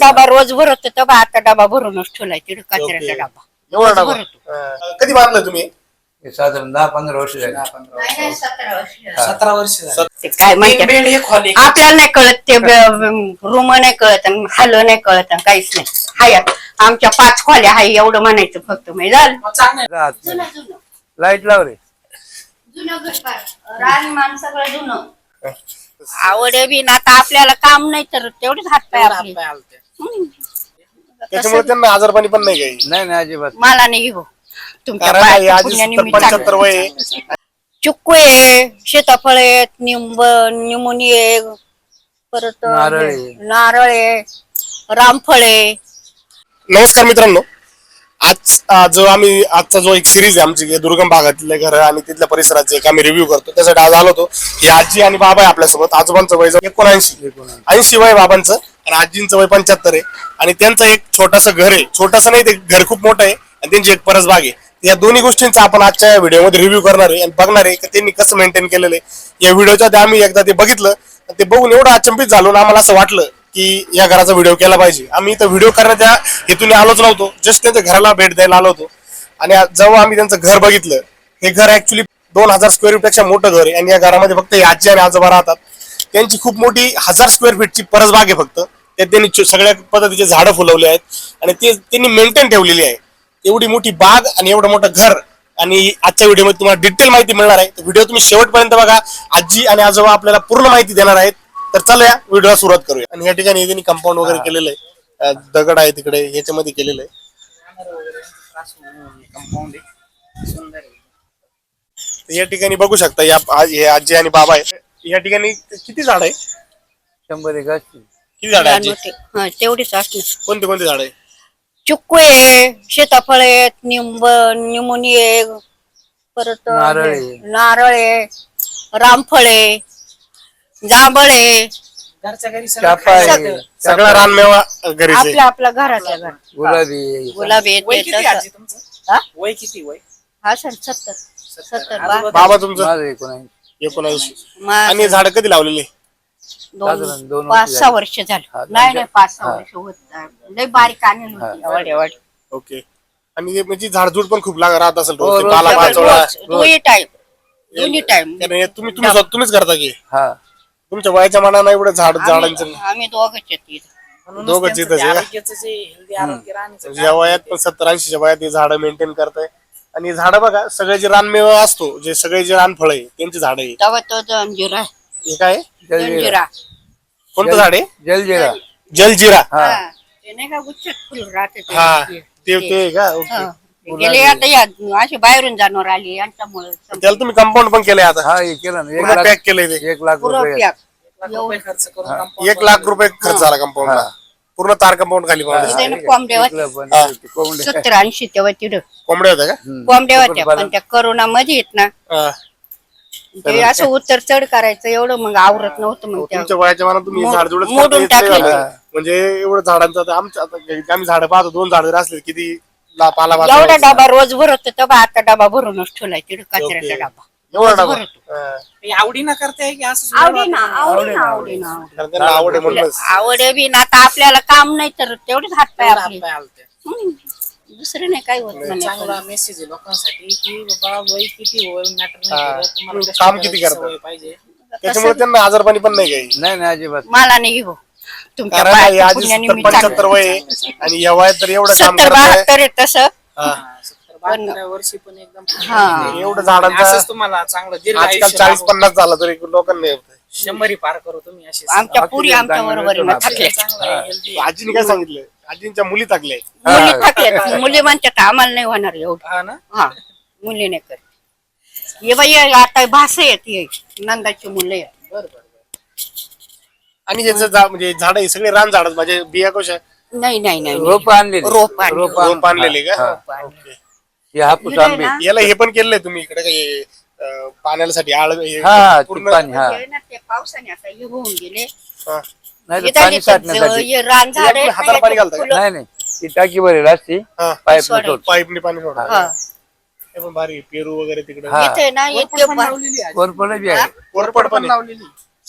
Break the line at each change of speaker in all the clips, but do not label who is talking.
डबा रोज भरत होता आता डबा भरूनच ठेवलाय तिथे कचऱ्याचा डबा
एवढा
रोज
डबा
भरतो.
कधी बांधलं तुम्ही?
हे साधारण 10-15 वर्ष झाली.
नाही, 17 वर्ष.
17 वर्ष झाली.
ते काय माहिती
बेड एक हॉल एक.
आपल्याला नाही कळत ते रूम नाही कळत हल नाही कळत काहीच नाही. हाय आमच्या 5 खोल्या हाय एवढं म्हणायचं फक्त मी झालं.
चांगलं आहे.
राहत
जुनं
नाही.
जुनं
लाईट लाव रे.
जुनं घर फार. राहणीमान सगळं जुनं. आवड बी ना आता आपल्याला काम नाही तर तेवढेच हातपाय
तेवढं
आपले.
हातपाय आलते.
हम्म.
त्याच्यामुळे त्यांना आजारपणी पण नाही काही.
नाही अजिबात.
मला नाही घेऊ तुमच्या
कारण
पायाच्या
आजी
पुण्याने मी
75
चांगलं.
वय आहे.
चिक्कू आहे सीताफळ आहेत निमोनी आहे परत
नारळ आहे.
नारळ आहे रामफळ आहे.
नमस्कार मित्रांनो, जो आम्ही आजचा जो एक सिरीज आहे आमची दुर्गम भागातले घर आणि तिथल्या परिसराचे एक आम्ही रिव्ह्यू करतो त्यासाठी आज आलो होतो. ही आजी आणि बाबा आहे आपल्यासोबत. आजोबांचं वय 79 वय बाबांचं आणि आजींचं वय 75 आहे आणि त्यांचं एक छोटंसं घर आहे. छोटंसं नाही, ते घर खूप मोठं आहे आणि त्यांची एक परसबाग आहे. या दोन्ही गोष्टींचा आपण आजच्या व्हिडिओमध्ये रिव्ह्यू करणार आहे आणि बघणार आहे की त्यांनी कसं मेंटेन केलेलं आहे. या व्हिडिओच्या आधी आम्ही एकदा ते बघितलं, ते बघून एवढं अचंबित झालो आणि आम्हाला असं वाटलं की या घराचा व्हिडिओ केला पाहिजे. आम्ही तर व्हिडिओ करण्याच्या हेतूने आलोच नव्हतो, जस्ट त्यांच्या घराला भेट द्यायला आलो होतो. आणि जेव्हा आम्ही त्यांचं घर बघितलं, हे घर ऍक्च्युली 2000 स्क्वेअर फीट पेक्षा मोठं घर आहे आणि या घरामध्ये फक्त आजी आणि आजोबा राहतात. त्यांची खूप मोठी 1000 स्क्वेअर फीटची परसबाग आहे. फक्त त्यात त्यांनी सगळ्या पद्धतीचे झाडं फुलवले आहेत आणि ते त्यांनी मेंटेन ठेवलेली आहे. एवढी मोठी बाग आणि एवढं मोठं घर. आणि आजच्या व्हिडिओमध्ये तुम्हाला डिटेल माहिती मिळणार आहे. व्हिडिओ तुम्ही शेवटपर्यंत बघा. आजी आणि आजोबा आपल्याला पूर्ण माहिती देणार आहेत. तर चला या व्हिडिओला सुरुवात करूया. आणि या ठिकाणी त्यांनी कंपाऊंड वगैरे केलेलं आहे, दगड आहे तिकडे ह्याच्यामध्ये केलेलं आहे.
कंपाऊंड आहे. सुंदर आहे.
तर या ठिकाणी बघू शकता हे आजी आणि बाबा आहे. या ठिकाणी किती झाड आहे?
100 एक असतील.
किती झाड आहे आजी?
हा तेवढीच असणार.
कोणते कोणते झाड आहे?
चिक्कू आहे सीताफळ आहेत निमोनी आहे परत
नारळ आहे.
नारळ आहे रामफळ आहे जांभळ आहे.
घरच्या घरी
चाफा आहे.
सगळं.
सगळा रानमेवा घरीच आहे.
आपल्या घरातल्या घर
गुलाबी.
गुलाबी
वय
आहेत
किती
ते
आजी
तसं.
तुमचं?
हा?
वय किती वय?
हा सर 70
बाबा तुमचं?
माझं 19.
19. आणि हे झाड कधी लावलेले?
साधारण 2
5-6 वर्ष
हा,
झालं. नाही 5-6 वर्ष होत लय बारीक आणली होती.
ओके. आणि हे म्हणजे झाडझूड पण खूप राहत असेल
हो,
रोज.
रोज
पाला
सकाळी
पाचोळा.
दोन्ही टाइम
कारण हे तुम्हीच करता की
हा.
तुमच्या वयाच्या मनानं एवढं झाडांचं
आम्ही दोघंच आहेत इथं.
म्हणूनच
दोघंच
त्यांचं
इथंच
ते
आहे का?
आरोग्याचं जे हेल्दी आरोग्य राहण्याचं
म्हणजे या वयात पण 70-80च्या वयात हे झाडं मेंटेन करताय. आणि झाडं बघा, सगळे जे रानमेवा असतो, जे सगळे जे रानफळ आहे त्यांची झाडं आहे.
तेव्हा तो जंजिरा
हे काय आहे?
जंजिरा
कोणतं झाड आहे?
जलजिरा.
जलजिरा.
हा.
ते नाही का गुच्छात फुल राहते ते.
हा ते आहे का? ओके.
गेले आता या अशी बाहेरून जाणवर आली यांच्यामुळे
त्याला तुम्ही कंपाऊंड पण केलंय आता?
हा हे केलं ना. 1
पूर्ण
लाख.
पॅक केलंय ते?
1 लाख
पुरं
रुपये.
पॅक.
1 लाख रुपये खर्च करून compound
1 लाख रुपये खर्च झाला कंपाऊंडला. पूर्ण तार कंपाऊंड खाली पावलं.
इथे ना कोंबड्या
इकडं पण
हा.
ते कोंबडे.
70-80 तेव्हा तिथं
कोंबड्या होत्या का?
कोंबड्या होत्या पण त्या करोना मध्ये येत ना
हा.
ते असं उत्तर चढ करायचं एवढं मग आवरत नव्हतं मग त्या
तुमच्या वयाच्या मनात तुम्ही
मोड-
झाड जोडत
मोडून टाकले.
म्हणजे एवढं झाडांचं आता आम्ही झाडं पाहतो, 2 झाड जर असले किती पाला
एवढा
वाचवायचा.
डबा रोज भरत होता आता डबा भरूनच ठेवलाय तिथे कचऱ्याचा डबा
एवढा
रोज
डबा.
भरतो.
हा.
हे आवडीनं करताय की असं सुद्धा
आवडीना
वाटतं?
आवडीना
कारण त्यांना आवड आहे म्हणूनच.
आवड बी ना आता आपल्याला काम नाही तर तेवढेच हातपाय
तेवढं
आपले.
हातपाय आलते.
हम्म. दुसरं नाही काय होत म्हणे.
चांगला मेसेज आहे लोकांसाठी की बाबा वय किती वय मॅटर
हा.
नाही करत. तुम्हाला कष्ट
काम किती
करायची
करता?
सवय पाहिजे.
त्याच्यामुळे त्यांना आजारपणी पण नाही काही.
नाही अजिबात.
मला नाही घेऊ तुमच्या
कारण काय,
पायाच्या
आजी
पुण्याने मी
75 वय आहे आणि या वयात तर एवढं काम
70-72
करताय.
आहे तसं.
हा.
70-72 वर्षी पण एकदम
हा.
एवढं झाडांचं
असंच तुम्हाला चांगलं दीर्घ
आजकाल
आयुष्य
40-50 झालं तरी लोकांना नाही होत.
100 पार करू तुम्ही असे
आमच्या पुरी आमच्या बरोबर थकले
चांगलं आहे, healthy आहे.
आजीने काय सांगितलं? आजींच्या मुली टाकल्या.
मुली थकले मुली म्हणतात आम्हाला नाही होणार एवढं.
हा ना.
हा मुली नाही करत. ये बाई आता भाषा येते नंदाची मुलं आहेत.
बरं बरं
आणि ह्याचं म्हणजे झाड आहे सगळे रान झाड म्हणजे बिया कशा
नाही नाही नाही
रोप आणलेली.
रोप आणलेली.
रोप आणलेले का?
रोप आणलेली.
ओके.
हे हापूस
इकडे
आंबे.
ना,
याला हे पण केलंय तुम्ही इकडे काही पाण्यासाठी आळ हे
हा ते
पूर्ण
पाणी. हा.
हे ना ते पावसाने आता हे होऊन गेले.
हा.
नाही तर
इथं
पाणी
इथं
साठण्यासाठी.
हे रान झाड
तुम्ही हाताला पाणी घालता का?
नाही नाही ती टाकी भरेल असती.
हा.
पाईप
सोडायची.
सोड.
पाईपने पाणी सोडा.
हा.
हे पण भारी पेरू वगैरे तिकडे
हा.
इथे ना
बरं.
इतके
पण लावलेली आहे.
कोरपड बी आहे.
कोरपड पण आहे.
लावलेली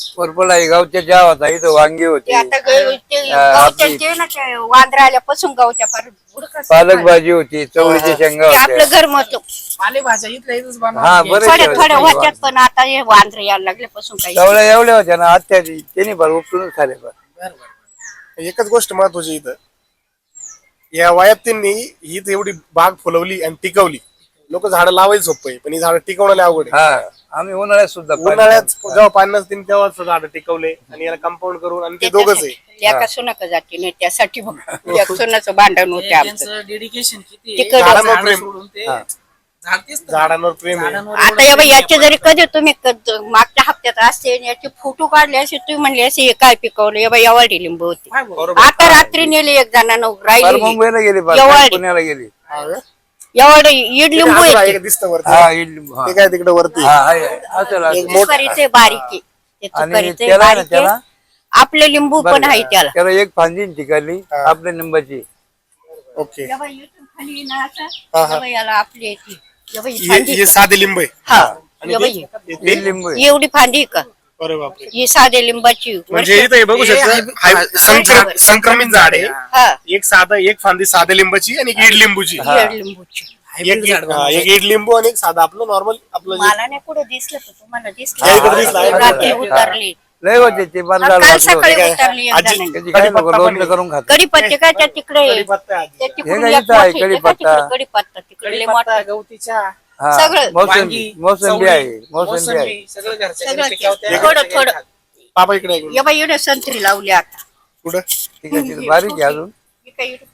पर्पल आहे, गावच्या चहा होता, इथं वांगी
ते
होती,
आता गवच्या ते ना ते वांद्रा आल्यापासून गवच्या फार बुडकं
पालक भाजी होती, चवळीच्या शेंगा
ते आपलं
होत्या.
घर मत
पालेभाज्या इथल्या इथंच
हा,
बनवा
बरं.
थोड्या थोड्या होत्यात पण आता हे वांद्रे यायला लागल्यापासून काही
चवळ्या एवढ्या होत्या ना, आत्याची त्यांनी फार उपटूनच खाले फार.
एकच गोष्ट महत्वाची इथं, या वयात त्यांनी ही तर एवढी बाग फुलवली आणि टिकवली. लोक झाडं लावायला सोपं आहे, पण ही झाडं टिकवणं लय अवघड आहे.
हा, आम्ही उन्हाळ्यात सुद्धा
उन्हाळ्यात जेव्हा पाणी नसतील तेव्हाच झाडं टिकवले आणि याला कंपाऊंड करून, आणि ते दोघच आहे.
एका सुनाक जाते नाही त्यासाठी बघ एक सुनाचं भांडण होते आमचं
त्यांचं डेडिकेशन किती
तिकडं
आहे.
झाडांवर
झाडं
प्रेम.
सोडून ते
हा.
झाडतेच तर.
झाडांवर प्रेम आहे.
झाडांवर
आता
एवढं
या बाई
प्रेम
याचे
आहे
जरी कधी तुम्ही मागच्या हप्त्यात असते आणि याचे फोटो काढले असे तुम्ही म्हणले असे हे काय पिकवलं या बाई एवढी लिंबू होती
काय बोलू?
बरोबर.
आता रात्री नेली एक जणांना
फार
राहिली
मुंबईला गेली, फार
एवढी.
पुण्याला गेली.
हा का?
एवढं इड लिंबू
ते
येते
एक दिसतं वरती.
हा, इडली, हा.
ते काय तिकडे वरती
हा, आहे, असेल, असेल.
तुपारीचे बारीक आहे. ते
आणि
तुपारीचे
त्याला आहे ना,
बारीक आहे.
त्याला
आपले लिंबू पण आहे त्याला
त्याला एक फांदी टिकली
हा.
आपल्या लिंबाची.
ओके.
या बाई इथून खाली ना असं,
हा, हा.
या बाई याला आपली येते. या बाई
हे
फांदी
हे साधे लिंब आहे.
हा
आणि
या बाई
ते-
हे लिंबू आहे.
एवढी फांदी आहे का
अरे बापरे.
ही साधे लिंबाची
म्हणजे इथं हे बघू शकता, संक्रमित झाड आहे.
हा
एक साधा, एक फांदी साधे लिंबाची आणि एक ईड लिंबूची.
इड लिंबूची
Hybrid झाड बनवलं.
एक ईड लिंबू आणि एक साधा आपलं नॉर्मल आपलं जे-
मला नाही कुठं दिसलं तर तुम्हाला
हा, इकडं दिसलं,
दिसलं
इकडं
रात्री
दिसलं.
उतरली
लय होते ते बंद
काल
झालं
सकाळी
काय?
उतरली एक
आजी-
जणांनी.
त्याची काय लोक
कढीपत्ता
लोणचं
पण
करून खात.
कढीपत्ते काय त्या तिकडे
कढीपत्ता आहे आजी.
त्या तिकडून
हे
एक
काय
मोठे,
इथं आहे,
ते काय
कढीपत्ता.
तिकडे कढीपत्ता तिकडे लय
कढीपत्ता,
मोठा.
गवतीच्या
हा,
सगळं.
मोसंबी
वांगी,
मोसंबी
चवळी,
आहे, मोसंबी आहे.
मोसंबी, सगळं घरच्या
सगळं
घरी पिकवते.
थोडं थोडं
बाबा इकडे आहे.
या बाई एवढे संत्री लावली आता
कुठं?
ठीक आहे, ठीक आहे. बारीक आहे अजून.
हे काय एवढं?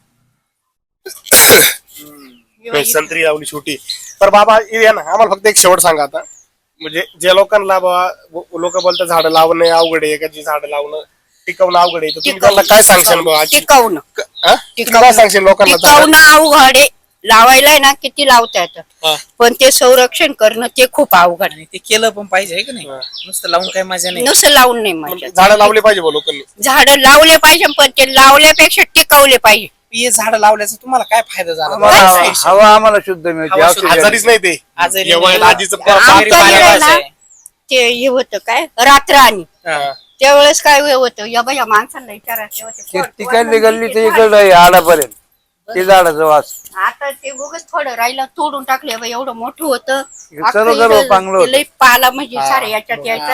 हे बाई
संत्री लावली छोटी. तर बाबा हे या ना, आम्हाला फक्त एक शेवट सांगा आता, म्हणजे ज्या लोकांना लोक बोलतात झाडं लावणं अवघड आहे, एखादी झाडं लावणं टिकवणं अवघड आहे, तर तुम्ही त्यांना काय सांगशाल बाबा आजी?
टिकवणं
हा? तुम्ही काय सांगशाल लोकांना झाडं?
टिकवणं अवघड आहे लावायला आहे ना किती लावता येतं
हा.
पण ते संरक्षण करणं ते खूप अवघड
आणि ते केलं पण पाहिजे आहे की नाही नुसतं लावून काही मजा नाही.
नुसतं लावून नाही मजा
झाडं लावले पाहिजे बा लोकांनी.
झाडं लावले पाहिजे पण ते लावल्यापेक्षा टिकवले पाहिजे
हे झाडं लावल्याचा तुम्हाला काय फायदा झाला?
आम्हाला हवा आम्हाला शुद्ध मिळते,
हवा शुद्ध.
ऑक्सिजन.
आजारीच नाही ते.
आजारी
या वयात
नाही.
आजीचं
आमचं
घरी
हे
पाणी
आहे ना,
वाचाय.
ते हे होतं काय रात्र आणि
हा.
त्यावेळेस काय होतं या बाई या माणसाला विचारायचं
ते
होतं.
तिकडली गल्ली तर इकडं आहे आडापर्यंत ते झाडाचं वास.
आता ते उगच थोडं राहिलं तोडून टाकले बाई एवढं मोठं होतं
सर्व
अख्खं
गर्व
इथं
चांगलं होतं.
लई पाला म्हणजे सारे याच्यात यायचा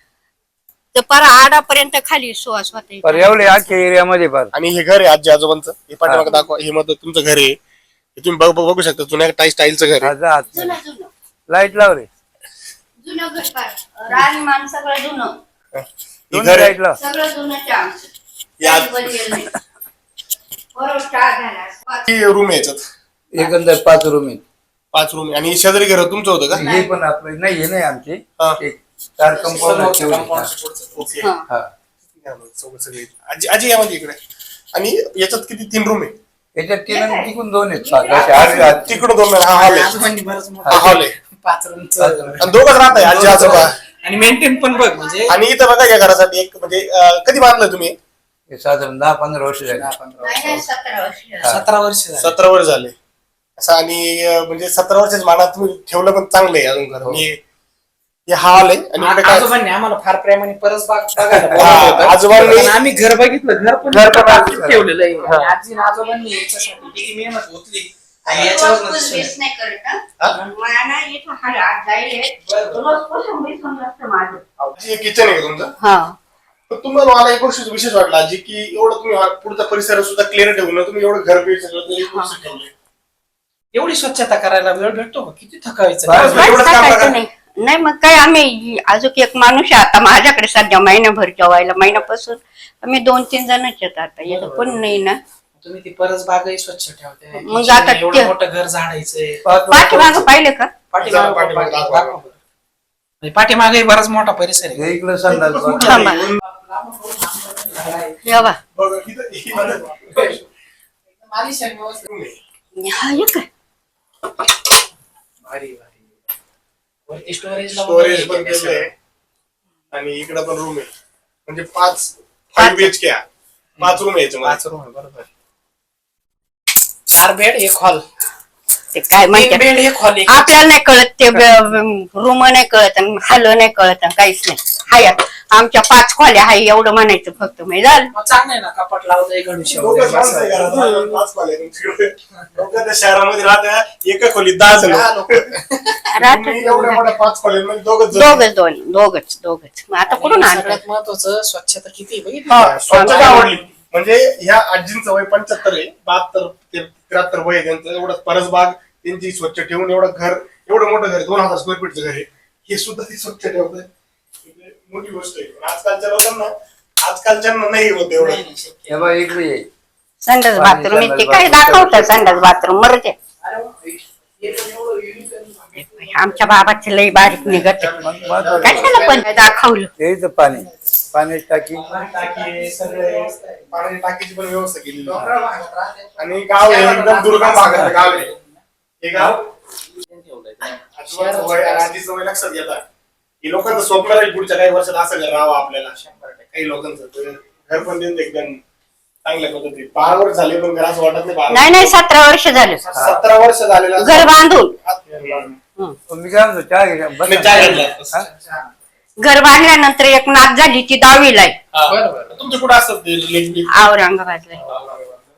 तर पारा आडापर्यंत खाली सुवास होता
पर एवढे अख्ख्या एरियामध्ये फार.
आणि हे घर आहे आजी आजोबांचं, हे पाठीमागे दाखवा, हे मग तुमचं घर आहे, हे तुम्ही बघू शकता, जुन्या स्टाईलचं घर आहे.
जा आत.
जुनं जुनं
लाईट लाव रे,
जुनं घर पार राजमान सगळं जुनं
हे
दोन्ही
घर आहे.
लाईट लाव.
सगळं जुनं आमचं
या-
काही बनलेलं नाही. बरोबर स्टार झाला.
किती रूम आहे याच्यात?
एकंदर 5 रूम आहेत.
5 रूम आहे. आणि शेजारी घर तुमचं होतं का?
हे पण आपलं नाही, हे नाही आमचे,
हा.
एक 4 कंपाऊंड
ओके.
हा.
सगळे आजी आजी यामध्ये इकडे. आणि याच्यात किती 3 रूम आहे?
याच्यात 3 आणि तिकून 2 आहेत. 7 असे 8
तिकडून 2 हा हॉल आहे.
आजोबांनी बरंच मोठं
हा हॉल आहे.
5 रूमचं.
आणि दोघंच राहत आहे आजी आजोबा.
आणि मेंटेन पण बघ म्हणजे
आणि इथं बघा या घरासाठी एक म्हणजे कधी बांधलं तुम्ही?
हे साधारण 10-15 वर्ष झाली.
10-15
नाही, नाही, 17 वर्ष.
17 वर्ष झाली.
17 वर्ष झाले असं. आणि म्हणजे 17 वर्षाच्या मानात तुम्ही ठेवलं पण चांगलं आहे अजून घर. आणि हे हॉल आहे. आणि इकडे काय
आजोबांनी आम्हाला फार प्रेमाने परस बाग बघायला
हा,
बोलावलं होतं.
आजोबांनी-
पण आम्ही घर बघितलं, घर पण आजच ठेवलेलं आहे. आणि आजी आणि आजोबांनी याच्यासाठी किती मेहनत होतली आणि याच्यावर
रोज बेस नाही करत, हा? मला ना इथं आज जाईल रोज पासून बेस होऊन जातं माझं.
आजी किचन आहे का तुमचं?
हा
पण तुम्हाला मला एक गोष्ट विशेष वाटलं आजी, की एवढं तुम्ही पुढचा परिसर सुद्धा क्लिअर ठेवलं, तुम्ही एवढं घर बीड सगळं तरी व्यवस्थित ठेवलंय.
एवढी स्वच्छता करायला वेळ भेटतो का? किती थकायचं.
बस,
एवढंच काम
काय
करा.
नाही नाही मग काय आम्ही अजून एक माणूस आहे आता माझ्याकडे सध्या महिनाभर जेवायला महिन्यापासून आम्ही 2-3 जणच येत आता येत पण नाही ना.
तुम्ही ती परस बागही स्वच्छ ठेवते.
मग
kitchen
आता
एवढं
ते-
मोठं घर झाडायचंय.
पाठीमागं पाहिलं का?
पाठीमागं दाखवा.
म्हणजे पाठीमागही बराच मोठा परिसर आहे.
हे इकडं संडास बाथ.
थांबा या बा.
बघा, इथं-
हा हे काय
भारी भारी. वरती स्टोरेज
स्टोरेज पण केलंय. आणि इकडं पण रूम आहे. म्हणजे 5 BHK 5 रूम आहे याच्यामध्ये.
5 रूम आहे बरोबर. 4 बेड 1 हॉल.
ते काय
3
म्हणतात
बेड 1 हॉल.
आपल्याला नाही कळत ते रूम नाही कळत आणि हॅलो नाही कळत आणि काहीच नाही हाय आमच्या 5 खोल्या हाय एवढं म्हणायचं फक्त मी झालं.
मग चांगलं आहे ना, कपाट लावलंय गणेश
दोघंच माणसं आहे घरात. पाच खोल्या आहेत तुमच्याकडे. लोकं त्या शहरामध्ये राहतात एका खोलीत 10 जण. तुम्ही एवढ्या मोठ्या 5 खोल्यांमध्ये दोघंच जण.
दोघच मग आता कुठून आणलं?
सगळ्यात महत्वाचं स्वच्छता किती आहे बघितली?
हा, स्वच्छता आवडली. म्हणजे ह्या आजींचं वय 75 आहे, 72 ते 73 वय आहे त्यांचं. एवढं परसबाग त्यांची स्वच्छ ठेवून एवढं घर, एवढं मोठं घर आहे, 2000 स्क्वेअर फीटचं घर आहे, हे सुद्धा ती स्वच्छ ठेवत मोठी गोष्ट आहे. पण आजकालच्यांना नाही होत एवढं.
हे बघ इकडे ये.
संडास बाथरूम ते काय दाखवतात संडास बाथरूम मरते.
अरे वा, हे पण एवढं unique आहे.
आमच्या बाबाचे लई बारीक निघत कशाला पण दाखवलं.
यायचं पाण्याची टाकी
टाकी सगळे पाण्याची टाकीची पण व्यवस्था केलेली आहे. आणि गाव हे एकदम दुर्गम भागात गाव आहे हे गाव. आजोबांचं वय आणि आजीचं वय लक्षात घेतात की लोकांचं स्वप्न राहील पुढच्या काही वर्षात असं घर राहावं आपल्याला. 100% काही लोकांचं घर पण त्यांचं एकदम चांगल्या पद्धतीत. 12 वर्ष झाले पण घर असं वाटत नाही.
नाही 17 वर्ष झालं
17 वर्ष झालेलं
घर बांधून.
मी काय म्हणतो चहा घे बस. हा?
घर बांधल्यानंतर एक नात झाली ती 10वीला आहे
बरोबर.
तुमचे कुठं असतात ते रिलेटिव्ह?
औरंगाबादला.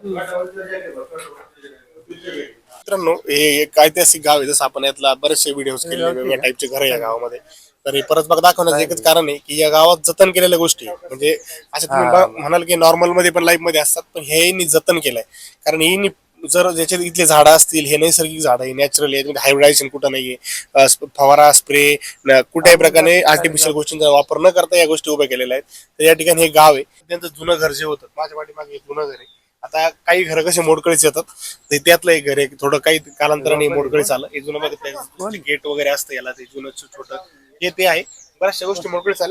मित्रांनो हे एक ऐतिहासिक गाव आहे. जसं आपण यातला बरेचसे व्हिडिओ केले वेगवेगळ्या टाईपचे घर या गावामध्ये. तर हे परत बघ दाखवण्याचं एकच कारण आहे की या गावात जतन केलेल्या गोष्टी म्हणजे असं तुम्ही म्हणाल की नॉर्मल मध्ये पण लाईफ मध्ये असतात, पण हे जतन केलंय. कारण ही जर ज्याच्यात इथले झाडं असतील, हे नैसर्गिक झाडं आहे, नॅचरल आहे, हायब्रिडायझेशन कुठं नाहीये, फवारा स्प्रे कुठल्याही प्रकारे आर्टिफिशियल गोष्टींचा वापर न करता या गोष्टी उभ्या केलेल्या आहेत. तर या ठिकाणी हे गाव आहे. त्यांचं जुनं घर जे होतं, माझ्या पाठीमागे एक जुनं घर आहे. आता काही घर कसे मोडकळीच येतात, तर त्यातलं एक घर आहे थोडं काही कालांतराने मोडकळीच आलं. हे जुनं मध्ये गेट वगैरे असतं याला, ते जुनं छोटं हे ते आहे. बऱ्याचशा गोष्टी मोडकळीच आल्या.